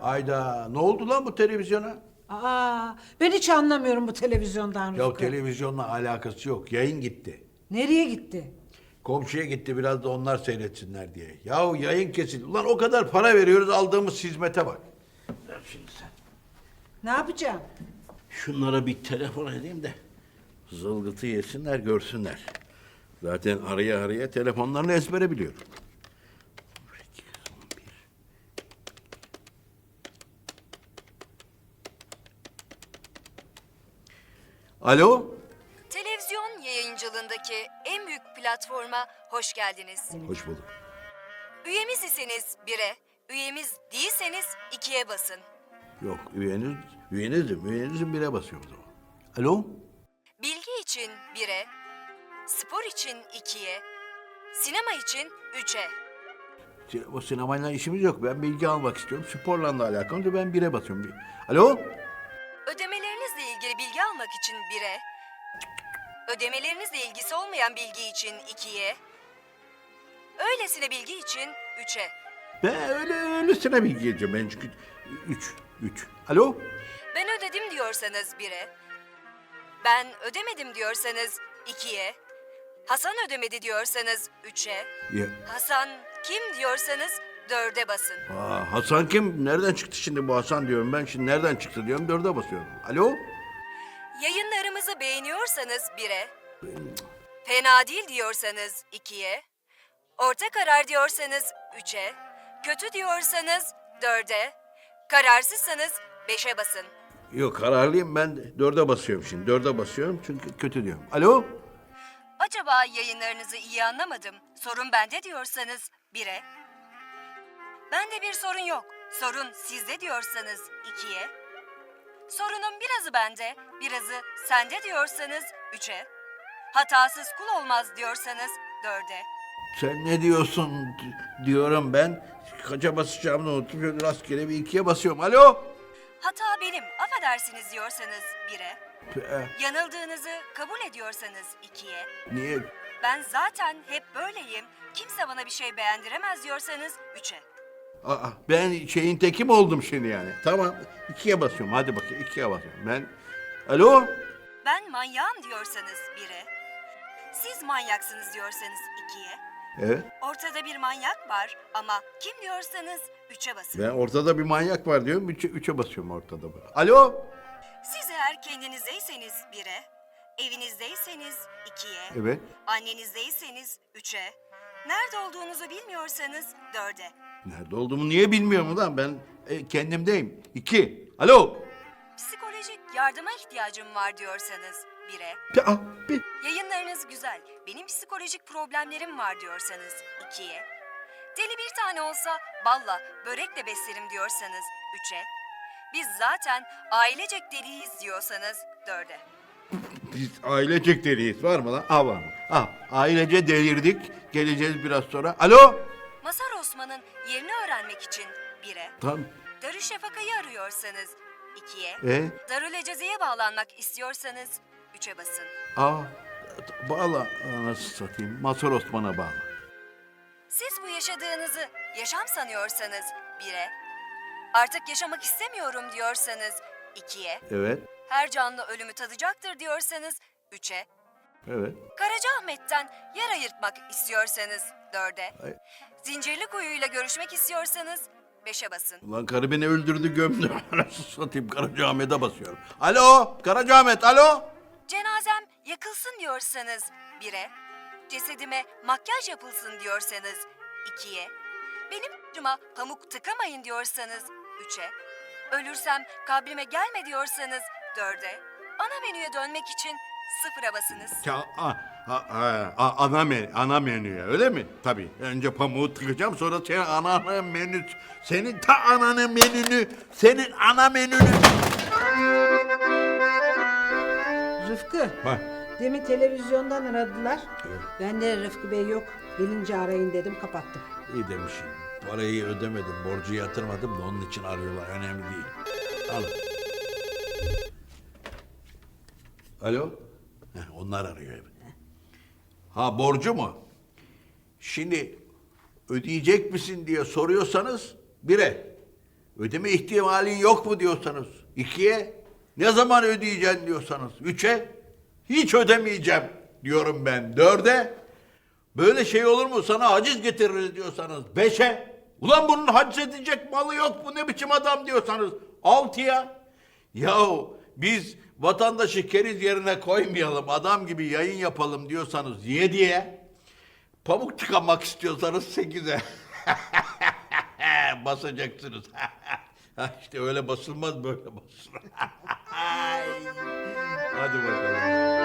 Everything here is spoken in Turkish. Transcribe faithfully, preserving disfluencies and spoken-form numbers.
Hayda, ne oldu lan bu televizyona? Aa, ben hiç anlamıyorum bu televizyondan Ya Rıfkı. televizyonla alakası yok, yayın gitti. Nereye gitti? Komşuya gitti biraz da onlar seyretsinler diye. Yahu yayın kesildi. Ulan o kadar para veriyoruz aldığımız hizmete bak. Ver şimdi sen. Ne yapacağım? Şunlara bir telefon edeyim de zılgıtı yesinler görsünler. Zaten araya araya telefonlarını ezbere biliyorum. Alo? Televizyon yayıncılığındaki en büyük platforma hoş geldiniz. Hoş bulduk. Üyemiz iseniz bire, üyemiz değilseniz ikiye basın. Yok üyeniz, üyenizim, üyenizim bire basıyor o zaman. Alo? Bilgi için bire, spor için ikiye, sinema için üçe. O sinemayla işimiz yok. Ben bilgi almak istiyorum. Sporla da alakalı. Ben bire basıyorum. Alo? Ödemelerinizle ilgili bilgi almak için bire, ödemelerinizle ilgisi olmayan bilgi için ikiye, öylesine bilgi için üçe. Ben öyle öylesine bilgi geleceğim. Ben çünkü üç, üç. Alo? Ben ödedim diyorsanız bire, ben ödemedim diyorsanız ikiye, Hasan ödemedi diyorsanız üçe, Ya, Hasan kim diyorsanız dörde basın. aa, Hasan kim? Nereden çıktı şimdi bu Hasan diyorum ben. Şimdi nereden çıktı diyorum. Dörde basıyorum. Alo? Yayınlarımızı beğeniyorsanız bire, fena değil diyorsanız ikiye, orta karar diyorsanız üçe, kötü diyorsanız dörde, kararsızsanız beşe basın. Yok kararlıyım ben. Dörde basıyorum şimdi. Dörde basıyorum çünkü kötü diyorum. Alo? Acaba yayınlarınızı iyi anlamadım, sorun bende diyorsanız bire, bende bir sorun yok, sorun sizde diyorsanız ikiye, sorunun birazı bende, birazı sende diyorsanız üçe, hatasız kul olmaz diyorsanız dörde, Sen ne diyorsun di- diyorum ben. Kaça basacağımı unuttum. Şöyle rastgele bir ikiye basıyorum. Alo? hata benim, affedersiniz diyorsanız bire, Ee, yanıldığınızı kabul ediyorsanız ikiye, niye? ben zaten hep böyleyim, kimse bana bir şey beğendiremez diyorsanız üçe. Aa, ben şeyin teki mi oldum şimdi yani? Tamam. ikiye basıyorum. Hadi bakayım. ikiye basıyorum. Ben... Alo? Ben manyağım diyorsanız bire, siz manyaksınız diyorsanız ikiye, Evet. ortada bir manyak var ama kim diyorsanız üçe basın. Ben ortada bir manyak var diyorum. Üçe, üçe basıyorum ortada. Alo? Siz eğer kendinizdeyseniz bire, evinizdeyseniz ikiye, Evet. annenizdeyseniz üçe, nerede olduğunuzu bilmiyorsanız dörde, Nerede olduğumu niye bilmiyorum ulan? Ben e, kendimdeyim. İki. Alo? psikolojik yardıma ihtiyacım var diyorsanız bire, Ya, ah, bir... yayınlarınız güzel, benim psikolojik problemlerim var diyorsanız ikiye, deli bir tane olsa balla, börekle beslerim diyorsanız üçe, biz zaten ailecek deliyiz diyorsanız dörde. Biz ailecek deliyiz. Var mı lan? Ah var mı? Ah, ailece delirdik. Geleceğiz biraz sonra. Alo? Mazhar Osman'ın yerini öğrenmek için bire, Tamam. Darüşşafaka'yı arıyorsanız ikiye, E? Darül Eceze'ye bağlanmak istiyorsanız üçe basın. Aa, bağla. Nasıl satayım? Mazhar Osman'a bağla. Siz bu yaşadığınızı yaşam sanıyorsanız bire, artık yaşamak istemiyorum diyorsanız ikiye, Evet. her canlı ölümü tadacaktır diyorsanız üçe, Evet. Karacaahmet'ten yer ayırtmak istiyorsanız dörde, Ay. Zincirlikuyu'yla görüşmek istiyorsanız beşe basın. Ulan karı beni öldürdü gömdü. Nasıl satayım? Karacaahmet'e basıyorum. Alo? Karacaahmet, alo? Cenazem yakılsın diyorsanız bire, cesedime makyaj yapılsın diyorsanız ikiye, benim acıma pamuk tıkamayın diyorsanız üçe, ölürsem kabrime gelme diyorsanız dörde, ana menüye dönmek için sıfıra basınız. Ya, a, a, a, a- ana, men, ana menüye öyle mi? Tabii. Önce pamuğu tıkacağım sonra senin ananın menü, senin ta ananın menünü, senin ana menünü. Rıfkı, Ha. demin televizyondan aradılar. Ben de Rıfkı Bey yok, gelince arayın dedim, kapattım. İyi demişim. Parayı ödemedim, borcu yatırmadım da onun için arıyorlar. Önemli değil. Al. Alo? Heh, onlar arıyor. Ha borcu mu? Şimdi ödeyecek misin diye soruyorsanız bire. Ödeme ihtimalin yok mu diyorsanız. İkiye. Ne zaman ödeyeceksin diyorsanız. Üçe. Hiç ödemeyeceğim diyorum ben. Dörde. Böyle şey olur mu? Sana haciz getiririz diyorsanız. Beşe. Ulan bunun haciz edecek malı yok. Bu ne biçim adam diyorsanız. Altıya. Yahu biz vatandaşı keriz yerine koymayalım. Adam gibi yayın yapalım diyorsanız. Yediye. Pamuk tıkamak istiyorsanız sekize. Basacaksınız. İşte öyle basılmaz, böyle basılır. Hadi bakalım.